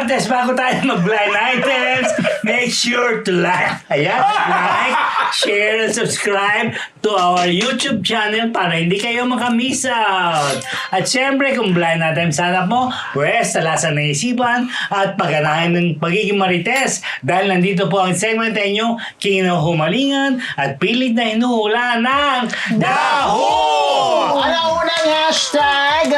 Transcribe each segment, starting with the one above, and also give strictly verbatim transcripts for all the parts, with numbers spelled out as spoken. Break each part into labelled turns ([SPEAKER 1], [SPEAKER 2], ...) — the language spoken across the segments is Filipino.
[SPEAKER 1] Marites, bago tayo mag-blind items, make sure to like, ayan, like, share, and subscribe to our YouTube channel para hindi kayo makamiss out. At syempre, kung blind items hanap mo, pwes, talasan ng isipan at pagganahan ng pagiging Marites dahil nandito po ang segment na inyong kinuhumalingan at pilit na hinuhula ng Daho!
[SPEAKER 2] Ano unang hashtag?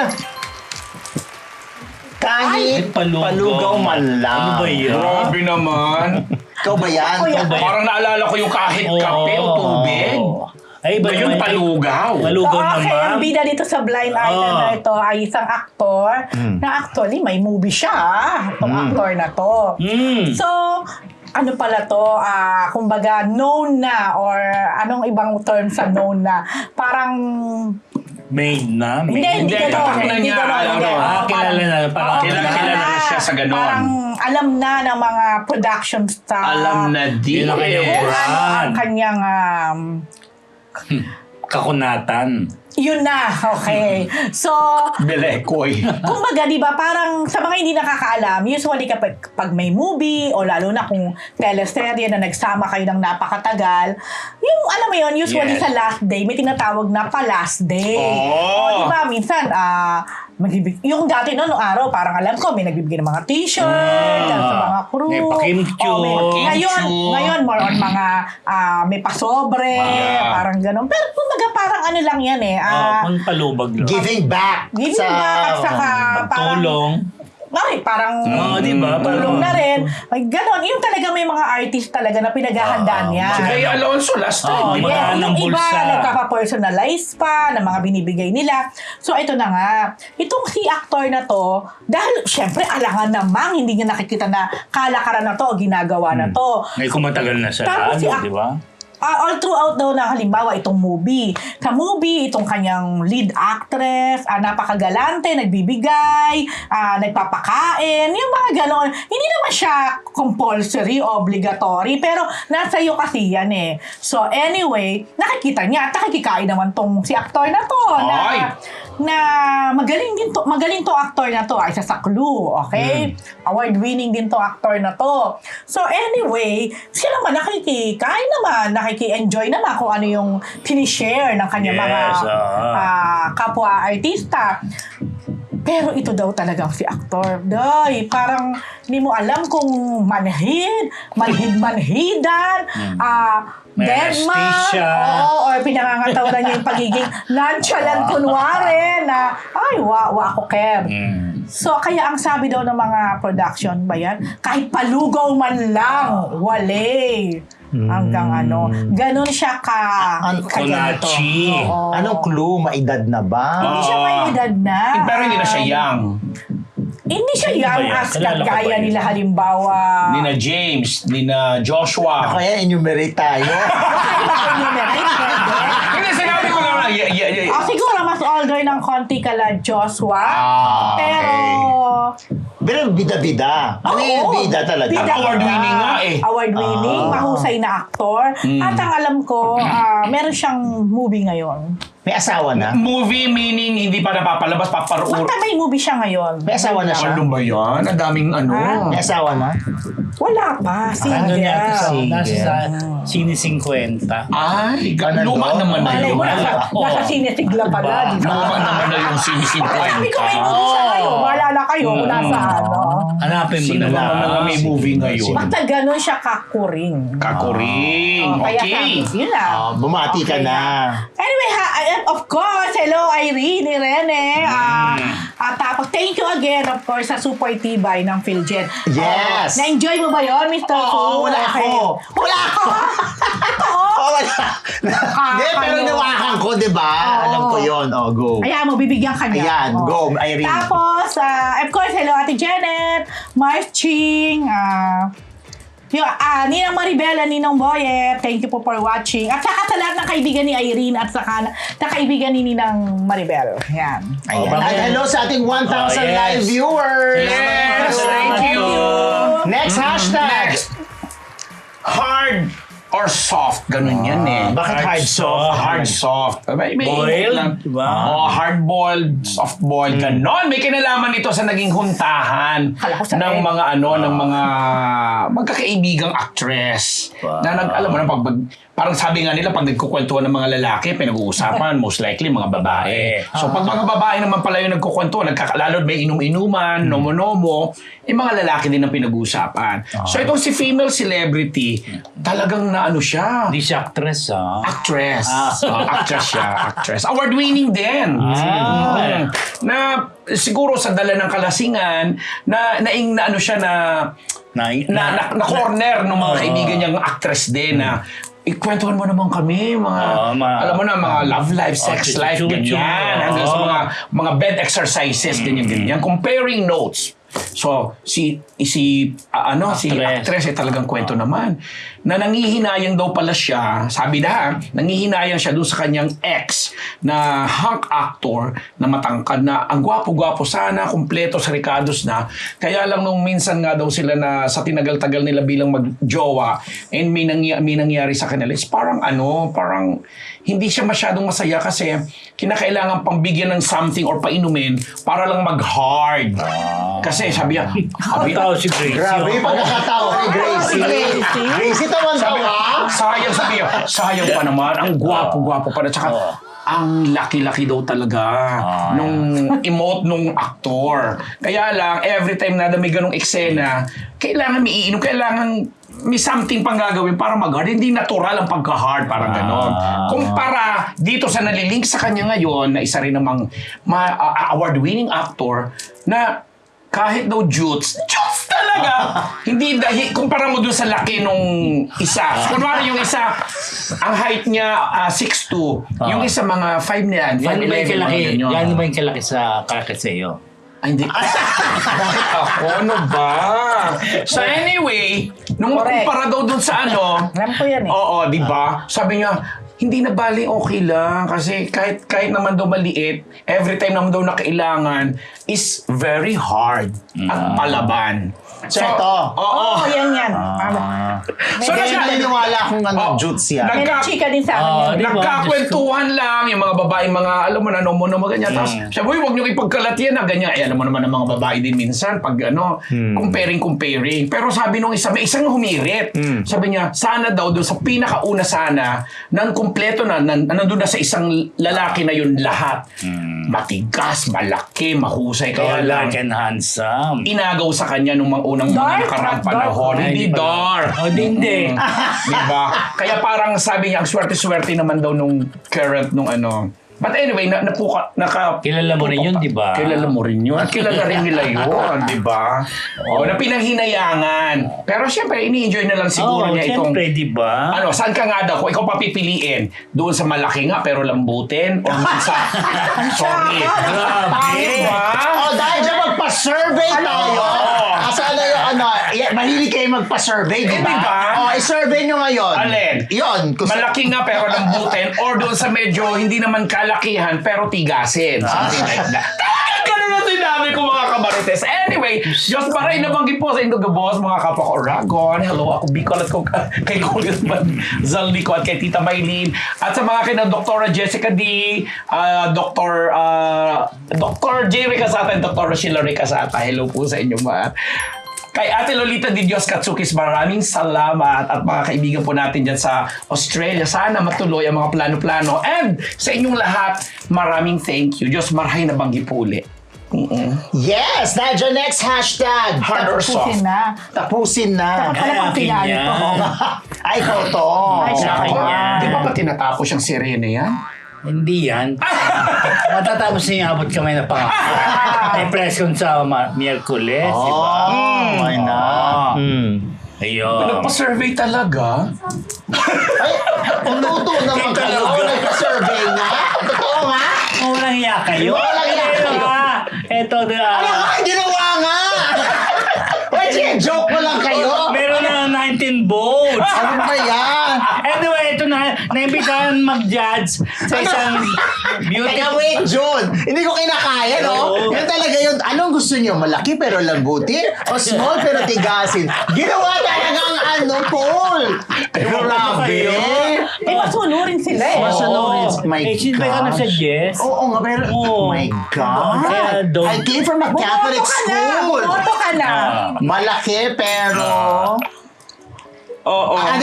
[SPEAKER 2] Kahit
[SPEAKER 1] Ay, palugaw.
[SPEAKER 2] palugaw man lang.
[SPEAKER 1] Ano ba yan?
[SPEAKER 3] Grabe naman.
[SPEAKER 2] Ikaw ba yan?
[SPEAKER 4] Ako yan.
[SPEAKER 2] Ikaw ba yan?
[SPEAKER 3] Parang naalala ko yung kahit
[SPEAKER 1] Oo.
[SPEAKER 3] kape o tubig.
[SPEAKER 1] Ay, iba
[SPEAKER 3] Ba yung
[SPEAKER 1] naman.
[SPEAKER 3] palugaw?
[SPEAKER 1] Palugaw
[SPEAKER 4] So, okay,
[SPEAKER 1] naman.
[SPEAKER 4] ang bida dito sa blind item
[SPEAKER 1] Oo.
[SPEAKER 4] na ito ay isang aktor na actually may movie siya, ah, itong actor na to.
[SPEAKER 1] Mm.
[SPEAKER 4] So, ano pala to, ah, kumbaga known na or anong ibang term sa known na, parang
[SPEAKER 1] Made na.
[SPEAKER 4] hindi,
[SPEAKER 1] Made.
[SPEAKER 4] hindi
[SPEAKER 3] Hindi,
[SPEAKER 4] ganon,
[SPEAKER 3] tatak na
[SPEAKER 4] hindi
[SPEAKER 3] niya,
[SPEAKER 4] ganon,
[SPEAKER 3] ano,
[SPEAKER 4] hindi.
[SPEAKER 1] ah,
[SPEAKER 4] Oo,
[SPEAKER 1] kilala
[SPEAKER 4] parang-
[SPEAKER 1] na, parang
[SPEAKER 4] oo,
[SPEAKER 3] kilala- kilala na siya sa ganon.
[SPEAKER 4] Parang alam na ng mga production staff.
[SPEAKER 3] Alam na din.
[SPEAKER 1] Yun ang kanyang
[SPEAKER 4] Kung ano
[SPEAKER 1] brand.
[SPEAKER 4] ang kanyang, um,
[SPEAKER 1] Kakunatan.
[SPEAKER 4] yun na, okay. So,
[SPEAKER 3] Belekoy.
[SPEAKER 4] kumbaga, di ba, parang sa mga hindi nakakaalam, usually kapag pag may movie o lalo na kung teleserye na nagsama kayo ng napakatagal, yung alam mo yun, usually
[SPEAKER 3] Yes.
[SPEAKER 4] sa last day, may tinatawag na pa-last day. O,
[SPEAKER 3] Oh.
[SPEAKER 4] di ba, minsan, ah, magbibig- yung dati no, nung araw, parang alam ko, may nagbibigay ng mga t-shirt,
[SPEAKER 1] Ah.
[SPEAKER 4] sa mga crew.
[SPEAKER 1] May pakimchu.
[SPEAKER 4] O, may- Ngayon,
[SPEAKER 3] Pakimchu.
[SPEAKER 4] ngayon, more on mga, ah, may pasobre,
[SPEAKER 3] Ah.
[SPEAKER 4] parang ganun. Pero kumbaga, parang ano lang yan eh,
[SPEAKER 1] Ah,
[SPEAKER 4] ah,
[SPEAKER 1] kung palubag lang.
[SPEAKER 2] Giving back.
[SPEAKER 4] Giving
[SPEAKER 2] sa,
[SPEAKER 4] back at saka parang...
[SPEAKER 1] Tulong.
[SPEAKER 4] Ay, parang
[SPEAKER 1] Oo, di ba?
[SPEAKER 4] tulong na rin. Ay, ganon. Yung talaga may mga artist talaga na pinaghahandaan niya.
[SPEAKER 3] Si Gay Alonso last
[SPEAKER 1] Oo,
[SPEAKER 3] time. di ba?
[SPEAKER 1] mga-
[SPEAKER 4] Yes,
[SPEAKER 1] ng
[SPEAKER 4] yung iba,
[SPEAKER 1] bulsa.
[SPEAKER 4] nagkaka-personalize pa ng mga binibigay nila. So, ito na nga. Itong si actor na to, dahil, syempre, alangan namang hindi niya nakikita na kalakaran na to o ginagawa na to.
[SPEAKER 1] May kumatagal na siya.
[SPEAKER 4] Tapos si
[SPEAKER 1] Ano,
[SPEAKER 4] Ak-
[SPEAKER 1] di ba?
[SPEAKER 4] Ah, all throughout daw na halimbawa itong movie. Sa movie, itong kanyang lead actress, ah, napakagalante, nagbibigay, ah, nagpapakain, yung mga ganon. Hindi naman siya compulsory, obligatory, pero nasa iyo kasi yan eh. So anyway, nakikita niya at nakikikain naman tong si actor na to. Na,
[SPEAKER 3] Ay!
[SPEAKER 4] na magaling din to, magaling to actor na to, ay isa sa Clue, okay? Award-winning din to actor na to. So anyway, siya naman nakikikain naman, nakiki-enjoy naman kung ano yung pinishare ng kanyang
[SPEAKER 1] Yes,
[SPEAKER 4] mga
[SPEAKER 1] ah.
[SPEAKER 4] ah, kapwa-artista. Pero ito daw talagang si aktor. Day, parang hindi mo alam kung manhid, manhid-manhidan, ah,
[SPEAKER 1] May
[SPEAKER 4] deadman,
[SPEAKER 1] anesthesia.
[SPEAKER 4] oo, or pinangangatawanan niya yung pagiging nonchalant kunwari na, ay, wa, wa ako, Kev.
[SPEAKER 1] Mm.
[SPEAKER 4] So, kaya ang sabi daw ng mga production ba yan, kahit palugaw man lang, wale. Hanggang ano, ganun siya ka,
[SPEAKER 2] An-
[SPEAKER 4] ka ganito.
[SPEAKER 1] Kunachi.
[SPEAKER 4] Oo.
[SPEAKER 2] Anong clue? Maedad na ba?
[SPEAKER 4] Hindi siya may edad na.
[SPEAKER 3] Eh, Pero hindi na siya young.
[SPEAKER 4] Hindi siya
[SPEAKER 1] Sino ba
[SPEAKER 4] young
[SPEAKER 1] yan?
[SPEAKER 4] as
[SPEAKER 1] Kilala ko ba
[SPEAKER 4] kagaya
[SPEAKER 1] yun?
[SPEAKER 4] nila halimbawa.
[SPEAKER 3] Ni na James, ni na
[SPEAKER 2] Ako
[SPEAKER 3] Joshua.
[SPEAKER 2] yan, enumerate tayo.
[SPEAKER 3] Hindi, sinabi ko lang. Yeah, yeah, yeah.
[SPEAKER 4] Ah, siguro mas older ng konti kala Joshua.
[SPEAKER 3] Ah,
[SPEAKER 4] pero
[SPEAKER 2] Pero bida-bida. Ano yung
[SPEAKER 4] Oo.
[SPEAKER 2] bida talaga?
[SPEAKER 4] Bida
[SPEAKER 3] Award-winning nga eh.
[SPEAKER 4] Award-winning,
[SPEAKER 2] Ah.
[SPEAKER 4] mahusay na aktor.
[SPEAKER 3] Mm.
[SPEAKER 4] At ang alam ko, ah, meron siyang movie ngayon.
[SPEAKER 2] May asawa na?
[SPEAKER 3] Movie meaning hindi pa napapalabas, paparuur.
[SPEAKER 4] Basta may movie siya ngayon.
[SPEAKER 2] May asawa na siya?
[SPEAKER 3] Ano ba yan? Ang daming ano.
[SPEAKER 4] Ah.
[SPEAKER 2] May asawa na?
[SPEAKER 4] Wala pa,
[SPEAKER 1] Ano
[SPEAKER 4] single.
[SPEAKER 1] niya ito sa,
[SPEAKER 2] Sige.
[SPEAKER 1] nasa sa Sine fifty.
[SPEAKER 3] Ay, ga-
[SPEAKER 2] Ano
[SPEAKER 3] luma
[SPEAKER 2] to?
[SPEAKER 3] naman na
[SPEAKER 4] Malay
[SPEAKER 3] yun.
[SPEAKER 4] mo, nasa,
[SPEAKER 1] Oo.
[SPEAKER 4] nasa sinesigla pala, di ba?
[SPEAKER 3] Luma naman na yung
[SPEAKER 4] Sabi ko, may
[SPEAKER 3] sinisinkwenta.
[SPEAKER 4] movie siya ngayon. Maalala kayo kung
[SPEAKER 3] Mm.
[SPEAKER 4] nasa ano.
[SPEAKER 1] Hanapin mo
[SPEAKER 3] Sino
[SPEAKER 1] na
[SPEAKER 3] ba
[SPEAKER 1] lang.
[SPEAKER 3] mga may movie ngayon?
[SPEAKER 4] Basta ganun siya kakuring.
[SPEAKER 3] Kakuring.
[SPEAKER 4] Oh, kaya
[SPEAKER 3] Okay.
[SPEAKER 4] sabi, yun lang.
[SPEAKER 2] Oh, bumati ka
[SPEAKER 4] Okay
[SPEAKER 2] na.
[SPEAKER 4] Anyway, ha, I- of course, hello Irene, Irene. Ah, at tapos, thank you again, of course, sa super tibay ng PhilJet.
[SPEAKER 2] Yes.
[SPEAKER 4] Oh, na-enjoy mo ba yun, Mister
[SPEAKER 2] Oo,
[SPEAKER 4] Fu?
[SPEAKER 2] wala
[SPEAKER 4] Okay.
[SPEAKER 2] ako.
[SPEAKER 4] Wala ako? Totoo?
[SPEAKER 2] Oh, wala. Hindi, pero
[SPEAKER 4] ano?
[SPEAKER 2] nawakan ko, di ba?
[SPEAKER 4] Oo.
[SPEAKER 2] Alam ko yun. Oh, go.
[SPEAKER 4] Ayan mo, bibigyan ka niya.
[SPEAKER 2] Ayan,
[SPEAKER 4] Oh.
[SPEAKER 2] go, Irene.
[SPEAKER 4] Tapos, ah, of course, hello Ate Janet, Mars Ching, ah, yung ah, Ninang Maribela, Ninong Boyet, thank you po for watching. At saka sa lahat ng kaibigan ni Irene at saka na, na kaibigan ni Ninang Maribel. Yan.
[SPEAKER 2] Ayan.
[SPEAKER 1] Oh,
[SPEAKER 2] At
[SPEAKER 1] bakit?
[SPEAKER 2] hello sa ating one thousand
[SPEAKER 1] Oh, yes.
[SPEAKER 2] live viewers.
[SPEAKER 3] Yes,
[SPEAKER 1] Salamat
[SPEAKER 3] thank
[SPEAKER 1] po.
[SPEAKER 3] you.
[SPEAKER 2] Next hashtag.
[SPEAKER 3] Next. Hard or soft, ganun yan eh.
[SPEAKER 2] Bakit
[SPEAKER 1] Hard
[SPEAKER 2] hard soft?
[SPEAKER 3] Hard soft. May, may
[SPEAKER 1] Boiled,
[SPEAKER 3] lang.
[SPEAKER 1] diba?
[SPEAKER 3] Oh, hard-boiled, soft-boiled, ganon. May kinalaman ito sa naging huntahan
[SPEAKER 4] Kala ko sa
[SPEAKER 3] ng
[SPEAKER 4] egg.
[SPEAKER 3] mga ano, ng mga magkakaibigang actress.
[SPEAKER 1] Wow.
[SPEAKER 3] Na nag, alam mo na, pag, pag, parang sabi nga nila, pag nagkukwentuhan ng mga lalaki, pinag-uusapan, most likely, mga babae. So, pag mga babae naman pala yung nagkukwentuhan, nagkakalalo, may inom-inuman, nomo-nomo, eh, mga lalaki din ang pinag-uusapan. So, itong si female celebrity, talagang na ano siya,
[SPEAKER 1] Hindi siya actress, ha?
[SPEAKER 3] actress. Oh, actress siya, actress. Award-winning din.
[SPEAKER 1] Ah.
[SPEAKER 3] Mm. Na siguro sa dala ng kalasingan, na naing na ano siya na
[SPEAKER 1] Na,
[SPEAKER 3] na, na, na corner ng mga
[SPEAKER 1] Oo.
[SPEAKER 3] kaibigan niyang actress din na ikwentuhan mo naman kami, mga,
[SPEAKER 1] Oo, mga-
[SPEAKER 3] alam mo na, mga love life, sex
[SPEAKER 1] Oh,
[SPEAKER 3] life,
[SPEAKER 1] chuchu-chuchu.
[SPEAKER 3] ganyan. Hanggang sa
[SPEAKER 1] Oo.
[SPEAKER 3] mga, mga bed exercises, ganyan, ganyan. Comparing notes. So, si, si, ah, ano, si
[SPEAKER 1] Actress.
[SPEAKER 3] actress ay talagang kwento naman. Na nangihinayang daw pala siya, sabi na, nangihinayang siya doon sa kanyang ex na hunk actor na matangkad na ang gwapo-gwapo sana, kumpleto sa Ricardos na. Kaya lang nung minsan nga daw sila na sa tinagal-tagal nila bilang mag-jowa and may, nangy- may nangyari sa kanila, is parang ano, parang hindi siya masyadong masaya kasi kinakailangan pang bigyan ng something or painumin para lang mag-hard. Kasi sabi niya, sabi,
[SPEAKER 1] Tao si Gracie.
[SPEAKER 2] Grabe yung pagkakatawa ni Gracie.
[SPEAKER 4] Gracie?
[SPEAKER 2] Gracie, tawan-tawa.
[SPEAKER 3] sayang sabi niya, sayang pa naman, ang gwapo-gwapo pa na. Tsaka,
[SPEAKER 1] Oo.
[SPEAKER 3] ang laki-laki daw talaga
[SPEAKER 1] Ah.
[SPEAKER 3] nung emote nung aktor. Kaya lang, every time na may ganong eksena, kailangan may iinom, kailangan may something pang gagawin para mag-hard. Hindi natural ang pagka-hard, parang ganon.
[SPEAKER 1] Ah.
[SPEAKER 3] Kumpara dito sa nalilink sa kanya ngayon, na isa rin namang ma- uh, award-winning actor, na kahit daw jutes, jutes talaga! Hindi dahil, kumpara mo dun sa laki nung isa. So, kunwari yung isa, ang height niya uh, six two, yung isa mga five na yan, five
[SPEAKER 1] Yan ba yung
[SPEAKER 3] eleven,
[SPEAKER 1] kalaki?
[SPEAKER 3] mga ganyan.
[SPEAKER 1] Yan ba yung kalaki sa kalaki sa iyo?
[SPEAKER 3] Ay, hindi. Bakit ako? Ano ba? So anyway, nung
[SPEAKER 4] Correct.
[SPEAKER 3] kumpara daw dun sa ano,
[SPEAKER 4] Alam ko yan eh.
[SPEAKER 3] oo, di ba? Sabi niya, hindi na bali, okay lang. Kasi kahit kahit naman daw maliit, every time naman daw na kailangan is very hard at palaban.
[SPEAKER 2] So, ito.
[SPEAKER 3] Oo.
[SPEAKER 4] Oo, yan yan.
[SPEAKER 1] Ah.
[SPEAKER 3] So,
[SPEAKER 2] Kaya
[SPEAKER 3] nasa-
[SPEAKER 2] naniniwala akong ano,
[SPEAKER 3] Oh,
[SPEAKER 2] jutes yan.
[SPEAKER 3] nag-
[SPEAKER 4] May
[SPEAKER 3] Nagka-
[SPEAKER 4] chika din sa akin
[SPEAKER 1] Ah,
[SPEAKER 4] yan.
[SPEAKER 1] di ba?
[SPEAKER 3] Nagkakwentuhan lang, yung mga babae, mga, alam mo na, no mo na ganyan. Tapos, sabi, uy, huwag niyo ipagkalat yan, na ganyan. Eh, alam mo naman ng mga babae din minsan, pag ano, comparing, comparing. Pero sabi nung isa, may isang humirit. Sabi niya, sana daw, doon sa pinakauna sana, nang kumpleto na, nan, nandun na sa isang lalaki na yun lahat. Matigas, malaki, mahusay. Kaya
[SPEAKER 1] Kaya
[SPEAKER 3] lang,
[SPEAKER 1] like and handsome.
[SPEAKER 3] inagaw sa kanya nung mga unang mga
[SPEAKER 4] Dark,
[SPEAKER 3] nakaraang
[SPEAKER 4] not
[SPEAKER 3] panahon.
[SPEAKER 4] dark.
[SPEAKER 3] Hindi
[SPEAKER 1] Hindi pala.
[SPEAKER 3] dark.
[SPEAKER 1] Oh, di, hindi.
[SPEAKER 3] Mm. Diba? Kaya parang sabi niya, ang swerte-swerte naman daw nung current nung ano. But anyway, na, napuka, naka...
[SPEAKER 1] Kilala mo rin yun, di ba?
[SPEAKER 3] Kilala mo rin yun. At kilala rin nila yun, di ba? O, na pinanghinayangan. Pero siyempre, ini-enjoy na lang siguro
[SPEAKER 1] Oo,
[SPEAKER 3] niya itong...
[SPEAKER 1] siyempre, di ba?
[SPEAKER 3] Ano, saan ka nga daw? Kung ikaw papipiliin, doon sa malaki nga pero lambutin o doon sa... Sorry.
[SPEAKER 1] Grabe.
[SPEAKER 3] Diba?
[SPEAKER 2] Oh, dahil dyan magpa-survey tayo.
[SPEAKER 3] Oo.
[SPEAKER 2] Kasi ano yung ano, yeah, mahilig kayo magpa-survey, di
[SPEAKER 3] Eh,
[SPEAKER 2] ba?
[SPEAKER 3] di ba?
[SPEAKER 2] Oh, i-survey nyo ngayon.
[SPEAKER 3] Alin?
[SPEAKER 2] Yun. Kung sa-
[SPEAKER 3] Malaki nga pero lambutin or doon sa medyo hindi naman kalakihan pero tigasin. Something like that. Talagang ganun na sinabi ko mga kamarites. Anyway, Diyos Maray nabanggit po sa Indog Boss, mga kapwa ko Oragon. Hello, ako Bicol at ko, kay Congressman Zaldico at kay Tita Maylene. At sa mga kina Doktora Jessica D, uh, Doktor Uh, Doktor Jerry Casata at Doktor Sheila Casata. Hello po sa inyo mga. Kay Ate Lolita Di Dios Katsukis, maraming salamat at mga kaibigan po natin dyan sa Australia. Sana matuloy ang mga plano-plano. And sa inyong lahat, maraming thank you. Diyos marahay na banggi po uli. Mm-mm.
[SPEAKER 2] Yes! Dahil dyan, next hashtag.
[SPEAKER 3] Hard or soft?
[SPEAKER 4] Pusin na.
[SPEAKER 2] Tapusin na.
[SPEAKER 4] Dapat pala pang
[SPEAKER 1] akin
[SPEAKER 4] pinali
[SPEAKER 1] yan.
[SPEAKER 4] ko.
[SPEAKER 2] Ay, ikaw to.
[SPEAKER 4] Ay, siya
[SPEAKER 3] Nako,
[SPEAKER 1] kanya.
[SPEAKER 3] di ba pa tinatapos yung sirene yan?
[SPEAKER 1] Hindi yan. Matatapos na yung abot kamay na pangako. May press con sa ma- Miyerkules, di ba?
[SPEAKER 2] Oh, why not? Hmm.
[SPEAKER 1] Ayun.
[SPEAKER 3] Nagpa-survey talaga?
[SPEAKER 2] Ay, totoo naman
[SPEAKER 1] Ito
[SPEAKER 2] kayo.
[SPEAKER 1] talaga.
[SPEAKER 2] Nagpa-survey nga. Totoo nga.
[SPEAKER 1] Oh, walang hiya kayo.
[SPEAKER 2] Walang hiya
[SPEAKER 1] Ito
[SPEAKER 2] kayo.
[SPEAKER 1] nga. Ito na.
[SPEAKER 2] Ano nga? Ginawa nga. Wait, joke mo lang kayo.
[SPEAKER 1] Meron na nineteen votes.
[SPEAKER 2] Ano ba yan?
[SPEAKER 1] Anyway, ito na. Naimbitahan mag-judge sa isang beauty.
[SPEAKER 2] Teka, wait, Jun. Hindi ko kinakaya, no?
[SPEAKER 1] Oo.
[SPEAKER 2] Yan talaga yun. Anong gusto niyo? Malaki pero lambutin? O small pero tigasin? Ginawa talagang ano, Paul! Grabe!
[SPEAKER 4] Eh, masunurin sila eh.
[SPEAKER 2] Masunurin. My
[SPEAKER 1] eh, sino ba ka
[SPEAKER 2] gosh.
[SPEAKER 1] nag-suggest?
[SPEAKER 2] Oo nga, pero oh my God!
[SPEAKER 1] Kaya don't-
[SPEAKER 2] I came from a Catholic
[SPEAKER 4] Bumoto ka na!
[SPEAKER 2] school!
[SPEAKER 4] Bumoto ka na!
[SPEAKER 2] Malaki pero...
[SPEAKER 3] Oo.
[SPEAKER 2] Ano?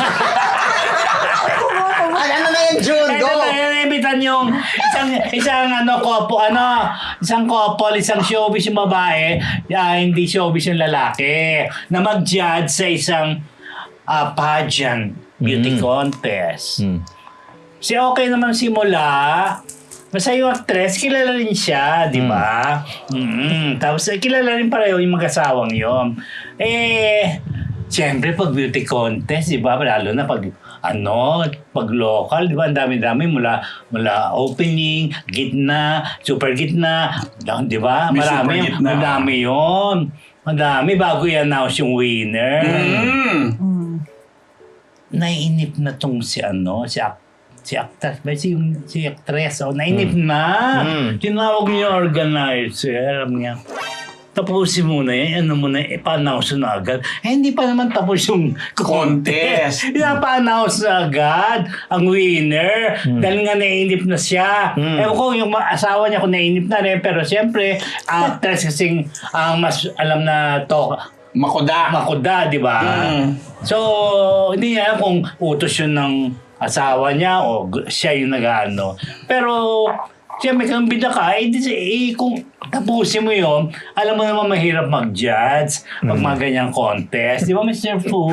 [SPEAKER 2] Ano na yan, June?
[SPEAKER 1] Kaya
[SPEAKER 2] Go!
[SPEAKER 1] ito, kaya imbitan yung isang, isang ano, kopo, ano, isang couple, isang showbiz yung babae, ah, hindi showbiz yung lalaki, na mag-judge sa isang ah, pageant, beauty contest. Si okay naman simula, basta yung actress, kilala rin siya, di ba? Mm. Tapos eh, kilala rin pareho yung mag-asawang yun. Eh, siyempre pag beauty contest, di ba? Lalo na pag ano, pag local, di ba? Ang dami-dami mula mula opening, gitna, super gitna, di ba?
[SPEAKER 3] May
[SPEAKER 1] Marami,
[SPEAKER 3] super gitna.
[SPEAKER 1] madami yun. Madami bago i-announce yung winner.
[SPEAKER 3] Mm.
[SPEAKER 1] Nainip na tong si ano, si ak si actress, ba si yung si actress, oh, nainip na.
[SPEAKER 2] Mm.
[SPEAKER 1] Tinawag niya yung organizer, alam niya. Tapusin muna yan, ano muna, ipa-announce na agad. Eh, hindi pa naman tapos yung contest.
[SPEAKER 3] Contest.
[SPEAKER 1] Pinapa-announce na agad ang winner. Dahil nga nainip na siya.
[SPEAKER 2] Mm.
[SPEAKER 1] Ewan ko, yung ma- asawa niya kung nainip na rin. Pero siyempre, actress kasing ang mas alam na to,
[SPEAKER 3] Makuda.
[SPEAKER 1] makuda, di ba?
[SPEAKER 3] Mm.
[SPEAKER 1] So, hindi niya alam kung utos yun ng asawa niya o gu- siya yung nag-ano. Pero, siyempre, kung bida ka, eh, di, eh, kung tapusin mo yun, alam mo naman mahirap mag-judge pag mga ganyang contest. Di ba, Mister Fu?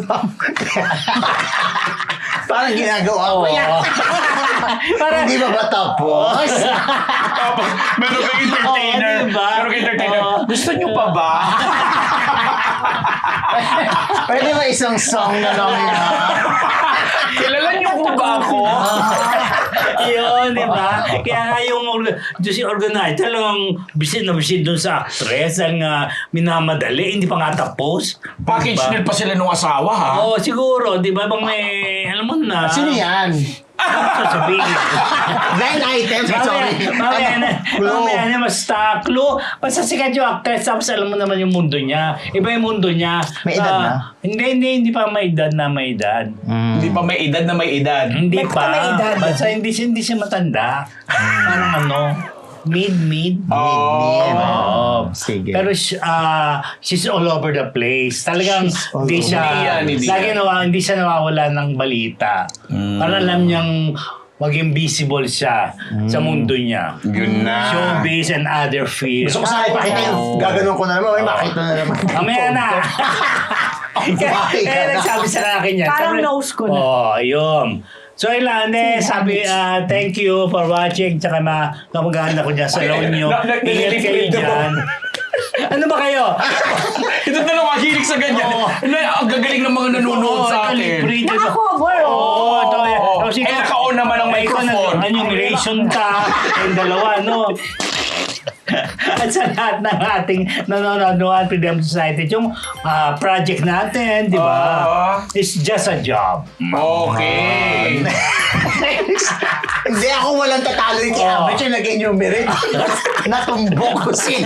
[SPEAKER 2] Parang ginagawa ko yan.
[SPEAKER 1] Parang,
[SPEAKER 2] Hindi ba ba tapos?
[SPEAKER 3] Tapos, meron kang entertainer.
[SPEAKER 1] Oo, diba?
[SPEAKER 3] Meron kang entertainer.
[SPEAKER 1] Oo.
[SPEAKER 3] Gusto niyo pa ba?
[SPEAKER 2] Pwede ba isang song na lang yun?
[SPEAKER 3] Kilala niyo po ba ako?
[SPEAKER 1] yun, di ba? Kaya nga yung orga- yung si organizer talagang bisin na bisin doon sa actress dahil nga minamadali, hindi pa nga tapos.
[SPEAKER 3] Package
[SPEAKER 1] Diba?
[SPEAKER 3] deal pa sila nung asawa, ha?
[SPEAKER 1] Oo, siguro, di ba? Bang may, alam mo na.
[SPEAKER 2] Sino yan?
[SPEAKER 1] Sasabihin.
[SPEAKER 2] Nine items. Sorry.
[SPEAKER 1] Mamaya na,
[SPEAKER 2] Clue.
[SPEAKER 1] mamaya na, basta clue. Basta sikat yung actress, tapos alam mo naman yung mundo niya. Iba yung mundo niya.
[SPEAKER 2] May edad
[SPEAKER 1] Ah,
[SPEAKER 2] na?
[SPEAKER 1] Hindi, hindi, hindi pa may edad na may edad.
[SPEAKER 3] Hindi pa may edad na may edad.
[SPEAKER 1] Hindi
[SPEAKER 4] May-
[SPEAKER 1] pa.
[SPEAKER 4] may edad.
[SPEAKER 1] Basta hindi, siya- hindi siya matanda. Parang ano, mid, mid.
[SPEAKER 2] Mid-mid.
[SPEAKER 1] Oo.
[SPEAKER 2] Sige.
[SPEAKER 1] Pero uh, she's all over the place. Talagang
[SPEAKER 2] all
[SPEAKER 1] hindi
[SPEAKER 2] over.
[SPEAKER 1] siya,
[SPEAKER 3] Hindi yan, hindi
[SPEAKER 1] lagi
[SPEAKER 3] yan.
[SPEAKER 1] nawa, hindi siya nawawala ng balita. Para alam niyang maging visible siya sa mundo niya.
[SPEAKER 3] Yun na.
[SPEAKER 1] Showbiz and other fields.
[SPEAKER 2] Gusto ko sana ipakita yung gaganon ko na naman. May makita na naman.
[SPEAKER 1] Mamaya na. Kaya,
[SPEAKER 2] Buhay ka
[SPEAKER 1] kaya
[SPEAKER 2] na.
[SPEAKER 1] nagsabi sa akin yan.
[SPEAKER 4] Parang
[SPEAKER 1] Sabi-
[SPEAKER 4] nose ko na.
[SPEAKER 1] Oo, oh, yun. So, Ilane, sabi, ah, thank you for watching. Tsaka mga kamag-anak ko dyan sa laon nyo.
[SPEAKER 3] Na- na-
[SPEAKER 1] Ingat kayo
[SPEAKER 3] nililipid ako.
[SPEAKER 1] dyan. Ano ba kayo?
[SPEAKER 3] Ito na lang mahilig sa ganyan.
[SPEAKER 1] Oo.
[SPEAKER 3] Na, ang gagaling ng mga nanonood sa akin.
[SPEAKER 1] Libre.
[SPEAKER 4] Naka-cover,
[SPEAKER 1] Oo,
[SPEAKER 4] oh.
[SPEAKER 1] ito.
[SPEAKER 3] Oo.
[SPEAKER 1] Tapos
[SPEAKER 3] Eh,
[SPEAKER 1] ikaw-
[SPEAKER 3] naka-on naman ang
[SPEAKER 1] Ikaw
[SPEAKER 3] microphone.
[SPEAKER 1] na- Ano, relation ka. Yung dalawa, no? At sa lahat ng ating nanonood ng Freedom Society, yung ah, project natin, di ba?
[SPEAKER 3] Oo.
[SPEAKER 1] It's just a job.
[SPEAKER 3] Okay.
[SPEAKER 2] Hindi ako walang tatalo yung kay
[SPEAKER 1] Oh.
[SPEAKER 2] Abet yung nag-enumerate. Natumbok ko sila.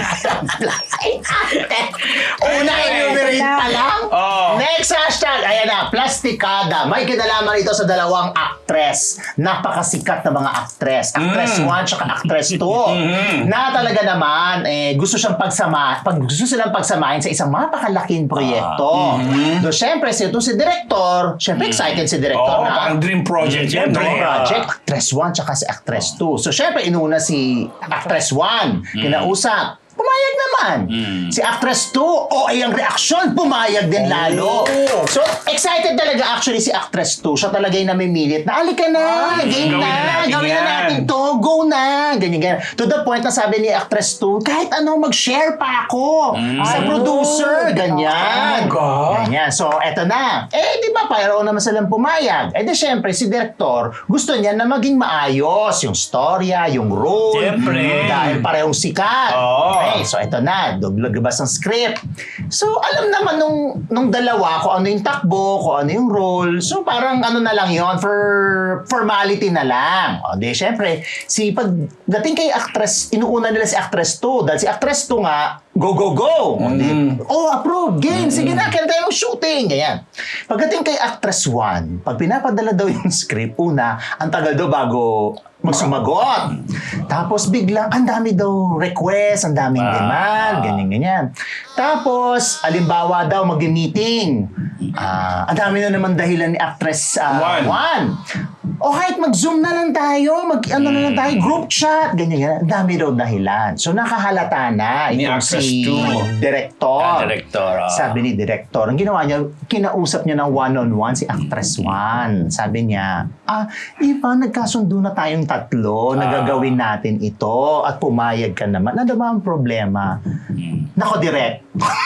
[SPEAKER 2] Una enumerate pa lang.
[SPEAKER 3] Oh.
[SPEAKER 2] Next hashtag, ayan na, plastikada. May kinalaman ito sa dalawang actress. Napakasikat na mga actress. Actress
[SPEAKER 3] Mm.
[SPEAKER 2] one tsaka actress two.
[SPEAKER 3] Mhm.
[SPEAKER 2] Na talaga naman, eh, gusto siyang pagsama, pag gusto silang pagsamahin sa isang napakalaking proyekto. Do, syempre, si, ito si director, syempre excited si director
[SPEAKER 3] Oo,
[SPEAKER 2] na.
[SPEAKER 3] parang dream project yan.
[SPEAKER 1] Siyempre.
[SPEAKER 2] Dream
[SPEAKER 3] no?
[SPEAKER 2] project, actress one tsaka si actress two. So, syempre, inuna si actress one. Kinausap. Pumayag naman. Si actress two, o ay ang reaksyon, pumayag din lalo. So, excited talaga actually si actress two. Siya talaga yung namimilit na, alika na, game
[SPEAKER 3] gawin
[SPEAKER 2] na,
[SPEAKER 3] na natin
[SPEAKER 2] gawin na
[SPEAKER 3] yan."
[SPEAKER 2] natin to, go na, ganyan, ganyan. To the point na sabi ni actress two, kahit ano, mag-share pa ako sa producer, ganyan.
[SPEAKER 3] Oh, God.
[SPEAKER 2] Ganyan. So, eto na. Eh, di ba, pareho naman silang pumayag. Eh, di syempre, si director, gusto niya na maging maayos yung storya, yung role.
[SPEAKER 1] Siyempre.
[SPEAKER 2] Dahil parehong sikat.
[SPEAKER 3] Oo.
[SPEAKER 2] Okay, so ito na, luglabas ng script. So, alam naman nung, nung dalawa kung ano yung takbo, kung ano yung role. So, parang ano na lang yon for formality na lang. O, di, syempre, si pagdating kay actress, inuuna nila si actress two. Dahil si actress two nga, go, go, go. O, di, oh, approve, game, sige na, kailan tayo mag-shooting. Ganyan. Pagdating kay actress one, pag pinapadala daw yung script, una, ang tagal daw bago magsumagot. Tapos biglang, ang dami daw request, ang daming demand, ganyan-ganyan. Tapos, alimbawa daw, mag-meeting. Ah, ang dami na naman dahilan ni actress uh,
[SPEAKER 3] One.
[SPEAKER 2] one. O kahit mag-zoom na lang tayo, mag-ano na lang tayo, group chat, ganyan-ganyan. Ang dami daw dahilan. So, nakahalata na
[SPEAKER 3] Ni
[SPEAKER 2] itong
[SPEAKER 3] actress
[SPEAKER 2] si
[SPEAKER 3] two.
[SPEAKER 2] director.
[SPEAKER 1] Ah, director, ah.
[SPEAKER 2] Sabi ni director, ang ginawa niya, kinausap niya ng one-on-one si actress one. Sabi niya, ah, Iva, nagkasundo na tayong tatlo,
[SPEAKER 1] Ah.
[SPEAKER 2] nagagawin natin ito, at pumayag ka naman. Ano ba ang problema? Nako, direct.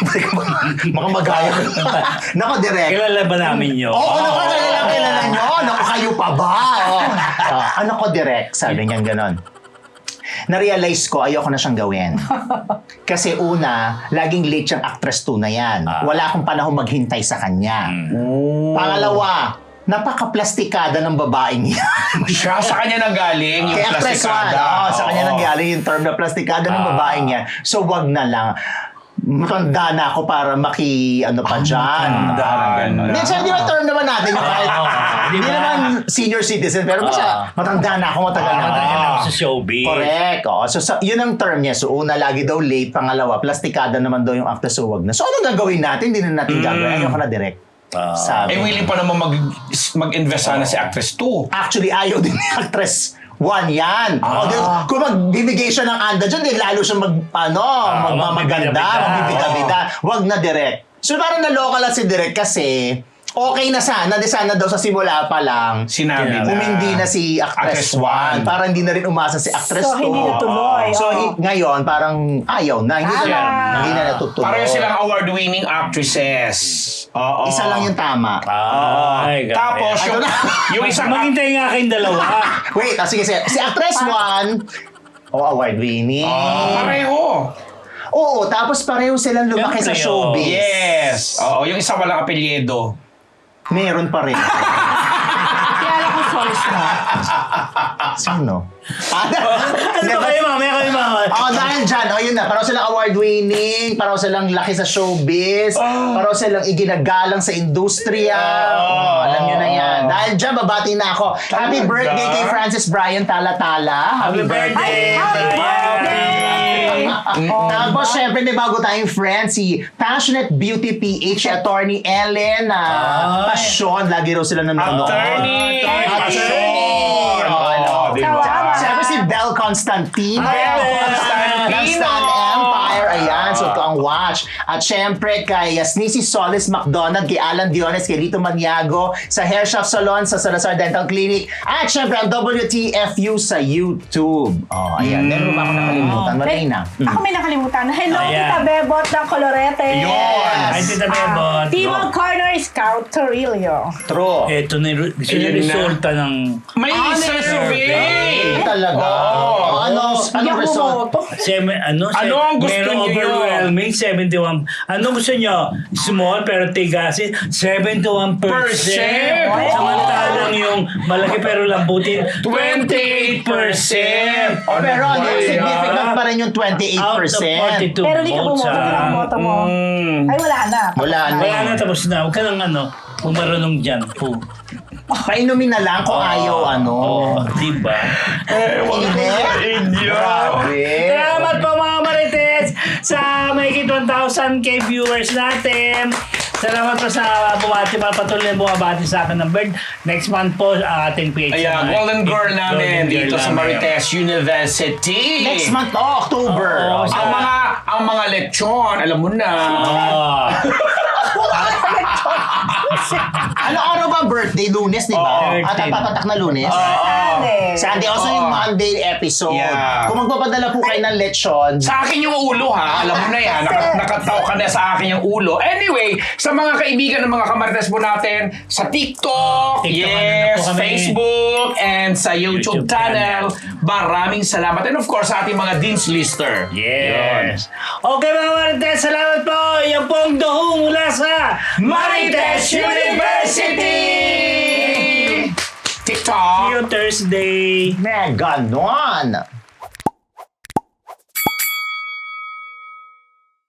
[SPEAKER 2] Baka magaya. Nako, direct.
[SPEAKER 1] Kilala ba namin yun?
[SPEAKER 2] Oo, naku, kilala, kilala nyo. Naku, kayo pa ba? Oh. Ah, ano ko, direct? Sabi niyan ganon. Na-realize ko, ayoko na siyang gawin. Kasi una, laging late siyang actress two na yan. Wala akong panahon maghintay sa kanya. Pangalawa, napaka-plastikada ng babaeng yan.
[SPEAKER 3] Siya, sa kanya nang galing yung
[SPEAKER 2] Kaya actress one,
[SPEAKER 3] plastikada.
[SPEAKER 2] oh, sa kanya
[SPEAKER 3] Oo.
[SPEAKER 2] nang galing yung term na plastikada ng babaeng yan. So, wag na lang. Matanda na ako para maki, ano pa dyan.
[SPEAKER 3] matanda na.
[SPEAKER 2] Hindi, siya, di ba term naman natin? Yung kahit,
[SPEAKER 1] Di
[SPEAKER 2] hindi
[SPEAKER 1] ba?
[SPEAKER 2] naman senior citizen, pero basta matanda na ako, matagal na
[SPEAKER 1] Matagal
[SPEAKER 2] ako.
[SPEAKER 1] na ako sa showbiz.
[SPEAKER 2] Correct. Oh. So, sa, yun ang term niya. So, una, lagi daw late. Pangalawa, plastikada naman daw yung actor. So, wag na. So, anong gagawin natin? Hindi na natin gagawin. Ayoko na direct.
[SPEAKER 1] Ah.
[SPEAKER 2] Sabi.
[SPEAKER 3] Eh, willing pa naman mag, mag-invest sana si actress two.
[SPEAKER 2] Actually, ayaw din ni actress one yan. O, di, kung magbibigay siya ng anda dyan, di lalo siya mag, ano, magmamaganda,
[SPEAKER 1] magbibida-bida.
[SPEAKER 2] magbibida-bida. Wag na direct. So, parang naloka lang si direct kasi okay na sana, di sana daw sa simula pa lang.
[SPEAKER 3] Sinabi na.
[SPEAKER 2] Umindi na si
[SPEAKER 3] Actress
[SPEAKER 2] actress
[SPEAKER 3] one.
[SPEAKER 2] one. Para hindi na rin umasa si actress
[SPEAKER 4] So,
[SPEAKER 2] two.
[SPEAKER 4] hindi natuloy.
[SPEAKER 2] So,
[SPEAKER 4] Oo.
[SPEAKER 2] hi- ngayon, parang ayaw na. Hindi na,
[SPEAKER 4] Tama.
[SPEAKER 2] hindi na natutuloy.
[SPEAKER 3] Pareho silang award-winning actresses. Oo.
[SPEAKER 2] Isa lang yung tama.
[SPEAKER 1] Ay, grabe.
[SPEAKER 3] Tapos,
[SPEAKER 2] Ano
[SPEAKER 3] yung,
[SPEAKER 2] na?
[SPEAKER 3] yung isang...
[SPEAKER 1] Maghintay nga kayong dalawa.
[SPEAKER 2] Wait, ah, sige, sige. Si actress one, oh, award-winning.
[SPEAKER 3] Pareho.
[SPEAKER 2] Oo, tapos pareho silang lumaki sa
[SPEAKER 1] Siyempre,
[SPEAKER 2] showbiz.
[SPEAKER 3] Yes. Oo, yung isa walang apelyido.
[SPEAKER 2] Meron pa rin.
[SPEAKER 4] Kaya alam ko source na.
[SPEAKER 2] Sino?
[SPEAKER 1] Ano ba kayo, mamaya kayo, mama?
[SPEAKER 2] Oh, dahil dyan, oh, yun na. Pareho silang award-winning, pareho silang laki sa showbiz, pareho silang iginagalang sa industriya. Oh, alam nyo na yan. Dahil dyan, babati na ako. Happy
[SPEAKER 3] Talaga?
[SPEAKER 2] birthday kay Francis Brian Talatala.
[SPEAKER 1] Happy birthday!
[SPEAKER 4] Happy birthday!
[SPEAKER 2] Tapos, syempre, may bago tayong friend, si Passionate Beauty P H, attorney Ellen, na
[SPEAKER 1] Ay.
[SPEAKER 2] passion. Lagi raw sila nanonood.
[SPEAKER 3] Attorney!
[SPEAKER 2] Attorney! Oh, ano,
[SPEAKER 3] di ba?
[SPEAKER 4] Tama.
[SPEAKER 2] Siyempre si Belle Constantino.
[SPEAKER 1] Ay, Belle
[SPEAKER 3] Constantino.
[SPEAKER 2] Ng Stan Empire. Ayan, so ito ang watch. At syempre kay Yasnisi Solis McDonald, kay Alan Diones, kay Lito Maniago, sa Hair Shop Salon, sa Salazar Dental Clinic. At syempre ang W T F U sa YouTube. Oh, ayan. Meron ba ako nakalimutan? Marina.
[SPEAKER 4] Ako may nakalimutan. Hello,
[SPEAKER 1] Ayan.
[SPEAKER 4] Tita Bebot ng Colorete.
[SPEAKER 3] Yun.
[SPEAKER 1] Ay, Tita Bebot.
[SPEAKER 4] Timog Corner Scout Torillo.
[SPEAKER 2] True.
[SPEAKER 1] Ito na yung ito na
[SPEAKER 3] Ayun
[SPEAKER 1] yung
[SPEAKER 3] na.
[SPEAKER 1] resulta ng...
[SPEAKER 3] May
[SPEAKER 2] Ah,
[SPEAKER 3] survey!
[SPEAKER 2] Eh, talaga.
[SPEAKER 3] Oo.
[SPEAKER 2] Oh, ano,
[SPEAKER 4] Hindi
[SPEAKER 2] ano
[SPEAKER 4] ako
[SPEAKER 2] result?
[SPEAKER 4] bumoto.
[SPEAKER 1] Seven, ano,
[SPEAKER 3] Ano ang gusto
[SPEAKER 1] merong
[SPEAKER 3] niyo?
[SPEAKER 1] overwhelming seventy-one. Ano gusto nyo? Small pero tigasin, seventy-one percent.
[SPEAKER 3] Percent.
[SPEAKER 1] Samantalang yung malaki pero lambutin, twenty-eight percent.
[SPEAKER 2] Oh, pero ano, significant pa rin yung twenty-eight
[SPEAKER 1] Out of
[SPEAKER 2] percent.
[SPEAKER 1] forty-two
[SPEAKER 4] Pero hindi ka
[SPEAKER 1] votes.
[SPEAKER 4] bumoto. Hindi
[SPEAKER 1] ah.
[SPEAKER 4] ka boto mo.
[SPEAKER 3] Mm.
[SPEAKER 4] Ay, wala na.
[SPEAKER 2] Wala na.
[SPEAKER 1] Wala na, tapos na. Huwag ka nang ano, pumarunong dyan. Po.
[SPEAKER 2] Painumin na lang kung ayaw, ano.
[SPEAKER 1] Oh, diba?
[SPEAKER 2] Hindi. Grabe.
[SPEAKER 1] Salamat po mga Marites sa mahigit one thousand K viewers natin. Salamat po sa bumati para patuloy na bumabati sa akin ng bird. Next month po ang ating P H.
[SPEAKER 3] Ayan, Golden Girl namin
[SPEAKER 1] Golden Girl
[SPEAKER 3] dito sa
[SPEAKER 1] namin.
[SPEAKER 3] Marites University.
[SPEAKER 2] Next month, oh, October.
[SPEAKER 1] Oo,
[SPEAKER 2] Oh,
[SPEAKER 3] Ang mga ang mga lechon, alam mo na.
[SPEAKER 1] Oh.
[SPEAKER 2] ano araw ba ang birthday? Lunes, di ba?
[SPEAKER 1] Oo.
[SPEAKER 2] At ang papatak na lunes?
[SPEAKER 3] Oo.
[SPEAKER 4] Sunday.
[SPEAKER 2] Sunday, also
[SPEAKER 3] Oo.
[SPEAKER 2] yung Monday episode.
[SPEAKER 3] Yeah.
[SPEAKER 2] Kung magpapadala po kayo ng lechon,
[SPEAKER 3] Sa akin yung ulo ha, alam mo na yan, Naka, nakataw ka na sa akin yung ulo. Anyway, sa mga kaibigan ng mga kamarites po natin, sa TikTok,
[SPEAKER 1] TikTok, ano na
[SPEAKER 3] yes,
[SPEAKER 1] po kami.
[SPEAKER 3] Facebook, and sa YouTube,
[SPEAKER 1] YouTube
[SPEAKER 3] channel, maraming salamat. And of course, sa ating mga Dean's Lister.
[SPEAKER 1] Yes. Okay mga Marites, salamat po. Yan po ang duho mula sa Marites University!
[SPEAKER 3] TikTok.
[SPEAKER 1] See you Thursday.
[SPEAKER 2] mega ganon.